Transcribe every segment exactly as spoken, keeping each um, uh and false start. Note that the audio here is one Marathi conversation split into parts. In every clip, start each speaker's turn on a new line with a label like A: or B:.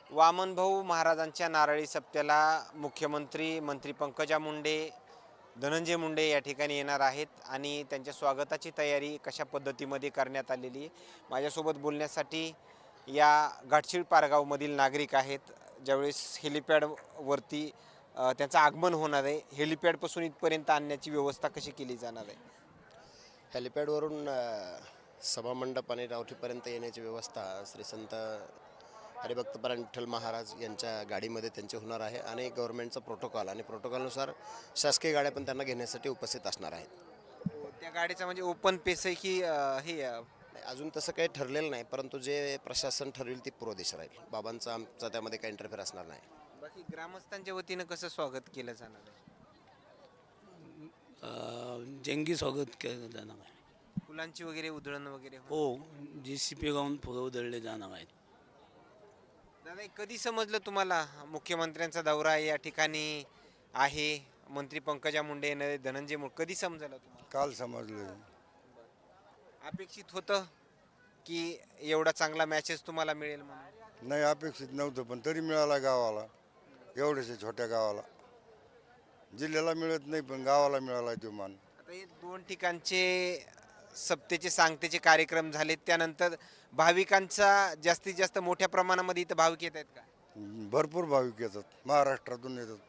A: वामनभाऊ महाराजांच्या नारळी सप्त्याला मुख्यमंत्री मंत्री पंकजा मुंडे, धनंजय मुंडे या ठिकाणी येणार आहेत आणि त्यांच्या स्वागताची तयारी कशा पद्धतीमध्ये करण्यात आलेली आहे. माझ्यासोबत बोलण्यासाठी या घाटशीळ पारगावमधील नागरिक आहेत. ज्यावेळेस हेलिपॅडवरती त्यांचं आगमन होणार आहे, हेलिपॅडपासून इथपर्यंत आणण्याची व्यवस्था कशी केली जाणार आहे?
B: हेलिपॅडवरून सभामंडप आणि रावठीपर्यंत येण्याची व्यवस्था श्री संत हरिभक्तपरायण विठ्ठल महाराज यांच्या गाडीमध्ये त्यांचे होणार आहे आणि गव्हर्नमेंटचा प्रोटोकॉल आणि प्रोटोकॉलनुसार शासकीय गाड्या पण त्यांना घेण्यासाठी उपस्थित असणार आहेत.
A: त्या गाडीचा म्हणजे ओपन पेस आहे की हे
B: अजून तसं काही ठरलेलं नाही, परंतु जे प्रशासन ठरवेल ती पूर्व दिशा राहील. बाबांचा आमचा त्यामध्ये काही इंटरफेअर असणार नाही.
A: बाकी ग्रामस्थांच्या वतीनं कसं स्वागत केलं जाणार आहे?
C: जंगी स्वागत केलं जाणार आहे.
A: फुलांची वगैरे उधळण वगैरे
C: हो, जी सी पी गाऊन फुलं उधळले जाणार आहेत.
A: दादा, कधी समजलं तुम्हाला मुख्यमंत्र्यांचा दौरा या ठिकाणी आहे, मंत्री पंकजा मुंडे येणार, धनंजय मुंडे, कधी समजलं तुम्हाला?
D: काल समजलं.
A: अपेक्षित होतं की एवढा चांगला मॅचेस तुम्हाला मिळेल म्हणून?
D: नाही, अपेक्षित नव्हतं, पण तरी मिळाला गावाला, एवढ्याशा छोट्या गावाला. जिल्ह्याला मिळत नाही पण गावाला मिळाला तो मान.
A: आता हे दोन ठिकाणचे सप्तेचे सांगतेचे कार्यक्रम झाले, त्यानंतर भाविकांचा जास्तीत जास्त मोठ्या प्रमाणामध्ये इथं भाविक येत आहेत का?
D: भरपूर भाविक येतात, महाराष्ट्रातून येतात.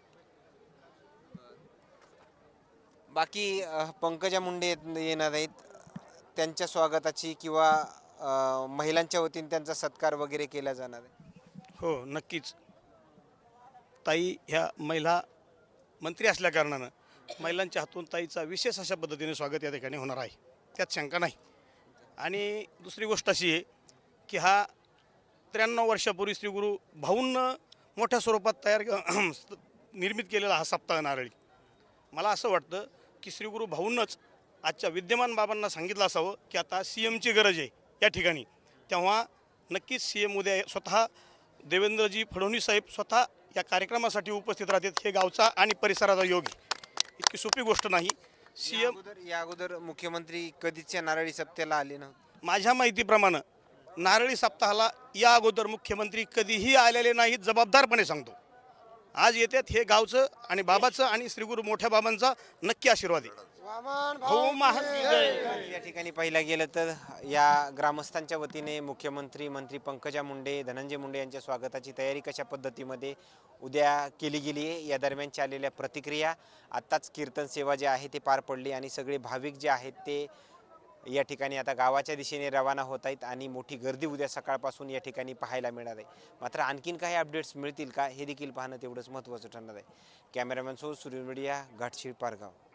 A: बाकी पंकजा मुंडे येणार आहेत, त्यांच्या स्वागताची किंवा महिलांच्या वतीने त्यांचा सत्कार वगैरे केला जाणार आहे?
E: हो, नक्कीच. ताई ह्या महिला मंत्री असल्या कारणानं महिलांच्या हातून ताईचा विशेष अशा पद्धतीने स्वागत या ठिकाणी होणार आहे, त्यात शंका नाही. आणि दुसरी गोष्ट अशी आहे की हा त्र्याण्णव वर्षापूर्वी श्री गुरु भाऊंनं मोठ्या स्वरूपात तयार निर्मित केलेला हा सप्ताह नारळी. मला असं वाटतं की श्री गुरु भाऊंनंच आजच्या विद्यमान बाबांना सांगितलं असावं की आता सी एमची गरज आहे या ठिकाणी. तेव्हा नक्कीच सी एम उद्या स्वतः देवेंद्रजी फडणवीस साहेब स्वतः या कार्यक्रमासाठी उपस्थित राहतात. हे गावचा आणि परिसराचा योग आहे, इतकी सोपी गोष्ट नाही. सी एम
A: या अगोदर मुख्यमंत्री कधीच्या नारळी सप्त्याला आले नव्हते?
E: माझ्या माहितीप्रमाणे नारळी सप्ताहाला या अगोदर मुख्यमंत्री कधीही आलेले नाहीत, जबाबदारपणे सांगतो. आज येतात, हे गावचं आणि बाबाचं आणि श्रीगुरु मोठ्या बाबांचा नक्की आशीर्वाद आहे. भाऊ महाराज
A: या ठिकाणी पाहिलं गेलं तर या ग्रामस्थांच्या वतीने मुख्यमंत्री मंत्री पंकजा मुंडे, धनंजय मुंडे यांच्या स्वागताची तयारी कशा पद्धतीमध्ये उद्या केली गेली आहे, या दरम्यानच्या आलेल्या प्रतिक्रिया. आत्ताच कीर्तन सेवा जे आहे ते पार पडली आणि सगळे भाविक जे आहेत ते या ठिकाणी आता गावाच्या दिशेने रवाना होत आहेत आणि मोठी गर्दी उद्या सकाळपासून या ठिकाणी पाहायला मिळणार आहे. मात्र आणखीन काही अपडेट्स मिळतील का हे देखील पाहणं तेवढंच महत्त्वाचं ठरणार आहे. कॅमेरामॅन सो सूर्य मीडिया, घाटशीळ पारगाव.